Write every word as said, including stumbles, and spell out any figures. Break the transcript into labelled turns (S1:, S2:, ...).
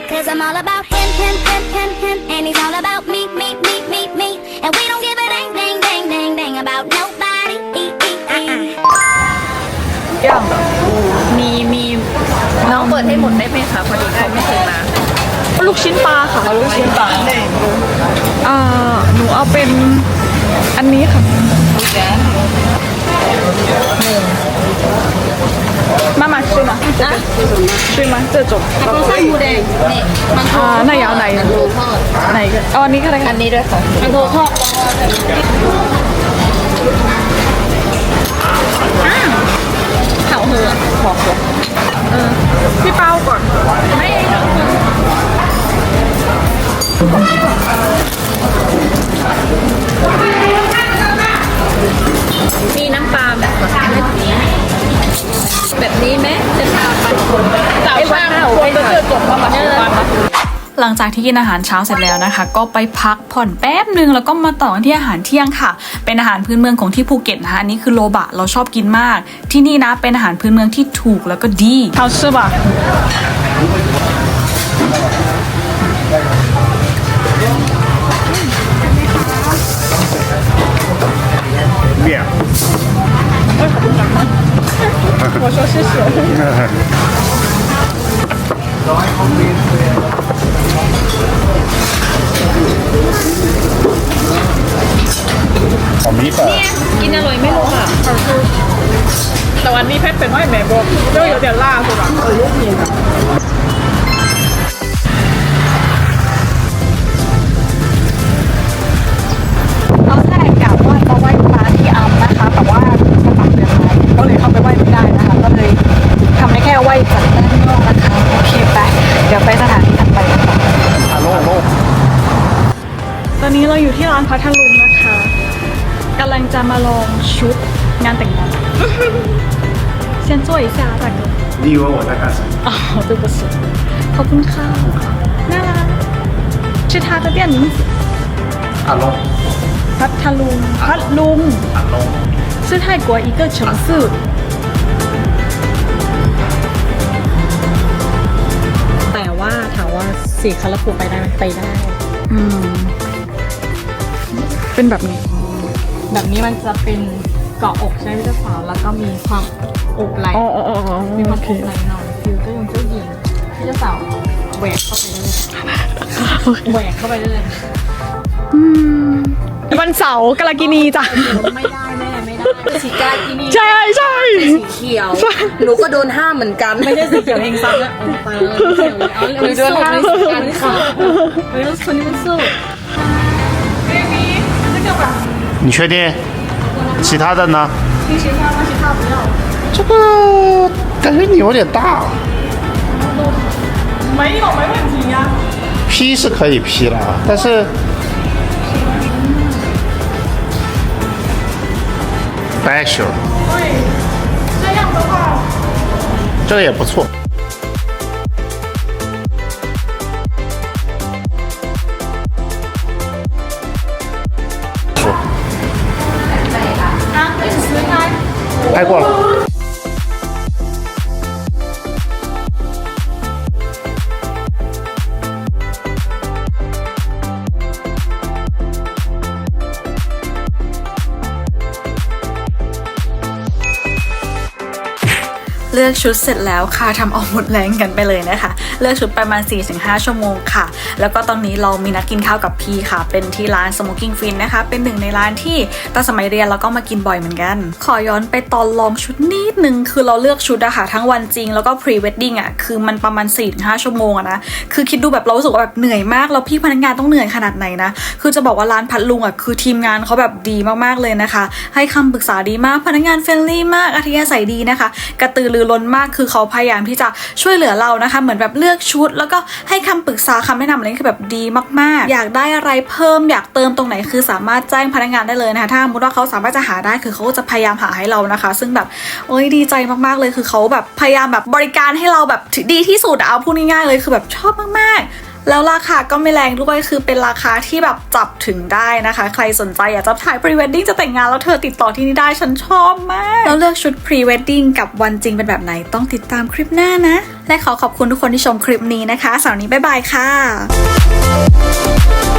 S1: Cause I'm all about him, him, him, him, him, and he's all about me, me, me, me, me, and we don't give a dang, dang, dang, dang, dang about nobody.
S2: อย่างมีมีน้องเปิดให้หมดได้ไหมคะพอดีเขาไม่เคยมาลูกชิ้นปลาค่ะลูกชิ้นปลาอ่าหนูเอาเป็นอันนี้ค่ะ妈妈吃吗？啊，对吗？这种。
S3: 它都是หมูแดงนี่มันโถ
S2: อ่าไหนเอาไหน
S3: มันโถทอด
S2: ไหนกันเอาอันนี้ก็ได้ค่ะ
S3: อันนี้ด้วยค่ะมันโถทอดเผาเหือหอมหัว
S2: เออพี่เป้าก่อนไม่มีน้ำปลาแบบแบบนี้แบบนี้ไหมจะทำไปแต่ว่าคนจะเจอจบมาแบบนี้หลังจากที่กินอาหารเช้าเสร็จแล้วนะคะก็ไปพักผ่อนแป๊บนึงแล้วก็มาต่อที่อาหารเที่ยงค่ะเป็นอาหารพื้นเมืองของที่ภูเก็ตนะคะอันนี้คือโลบะเราชอบกินมากที่นี่นะเป็นอาหารพื้นเมืองที่ถูกแล้วก็ดี好吃吧
S4: 面
S2: 我说谢谢
S4: 好米粉
S2: กินอร่อยไม่รู้ค่ะแต่วันนี้แพ็คเป็นว่าแม่บอกก็有点辣是吧เออ有点เราแค่กะว่าจะไหว้พระที่อัมนะคะแต่ว่าจะปักเดือนไม้ก็เลยเข้าไปไหว้ไม่ได้นะคะก็เลยทำได้แค่ไหว้จากด้านนอกนะคะโอเคไปเดี๋ยวไปสถานที่ถัดไปกันต่อ
S4: ฮัลโหลฮัลโหล
S2: ตอนนี้เราอยู่ที่ร้านพัทลุงนะคะกำลังจะมาลองชุดงานแต่งงาน先坐一下大哥
S4: 你以为我在干什么
S2: 哦对不起ขอบคุณค่ะน่ารัก是他的店名字
S4: ฮัลโหล
S2: พัทลุงพัทลุง
S4: ฮัลโหล
S2: 是泰国一个城市แต่ว่าถามว่าสีคาราฟูไปได้ไหมไปได้อืมเป็นแบบนี้แบบนี้มันจะเป็นเกาะอกใช่ไหมเจ้าสาวแล้วก็มีความอกไหล่มีความอกไหล่หน่อยฟิลเจ้าหญิงเจ้าหญิงที่เจ้าสาวแหวกเข้าไปได้เลยแหวกเข้าไปได้เลยวันเสาร์กาลากินีจ้ะ
S3: ไม่ได้แม่ไม่ได้สีกากีนี่
S2: ใช่ใช่
S3: สีเขียวหนูก็โดนห้ามเหมือนกันไม่ได้สีเขียวเองซ้ำนะไปเลยหนูโดนห้ามเหมือนกันค่ะไม่รู้คนนี้มันสู้
S4: 你确定其他的呢
S2: 其他吗其他不要
S4: 这个感觉你有点大
S2: 没有没问题呀
S4: P 是可以 P 了但是Special
S2: 对这样的话
S4: 这个也不错
S2: 啊一起撕开
S4: 拍过了
S2: เลือกชุดเสร็จแล้วค่ะทำเอาหมดแรงกันไปเลยนะคะเลือกชุดประมาณ สี่ถึงห้า ชั่วโมงค่ะแล้วก็ตอนนี้เรามีนัดกินข้าวกับพี่ค่ะเป็นที่ร้าน Smoking Fin นะคะเป็นหนึ่งในร้านที่ตอนสมัยเรียนเราก็มากินบ่อยเหมือนกันขอย้อนไปตอนลองชุดนิดนึงคือเราเลือกชุดอะค่ะทั้งวันจริงแล้วก็ pre wedding อะคือมันประมาณ สี่ถึงห้า ชั่วโมงอะนะคือคิดดูแบบเรารู้สึกว่าแบบเหนื่อยมากแล้วพี่พนักงานต้องเหนื่อยขนาดไหนนะคือจะบอกว่าร้านพัทลุงอะคือทีมงานเขาแบบดีมากๆเลยนะคะให้คำปรึกษาดีมากพนักงานเฟรนลี่มากอัธยาศัยดีนะคะกระตือรือร้นมากคือเขาพยายามที่จะช่วยเหลือเรานะคะเหมือนแบบเลือกชุดแล้วก็ให้คำปรึกษาคำแนะนำอะไรคือแบบดีมากๆอยากได้อะไรเพิ่มอยากเติมตรงไหนคือสามารถแจ้งพนักงานได้เลยนะคะถ้าสมมติว่าเขาสามารถจะหาได้คือเขาจะพยายามหาให้เรานะคะซึ่งแบบโอ้ยดีใจมากๆเลยคือเขาแบบพยายามแบบบริการให้เราแบบดีที่สุดเอาพูดง่ายๆเลยคือแบบชอบมากๆแล้วราคาก็ไม่แรงด้วยคือเป็นราคาที่แบบจับถึงได้นะคะใครสนใจอยากจะถ่าย pre wedding จะแต่งงานแล้วเธอติดต่อที่นี่ได้ฉันชอบมากแล้วเลือกชุด pre wedding กับวันจริงเป็นแบบไหนต้องติดตามคลิปหน้านะและขอขอบคุณทุกคนที่ชมคลิปนี้นะคะสำหรับวันนี้บ๊ายบายค่ะ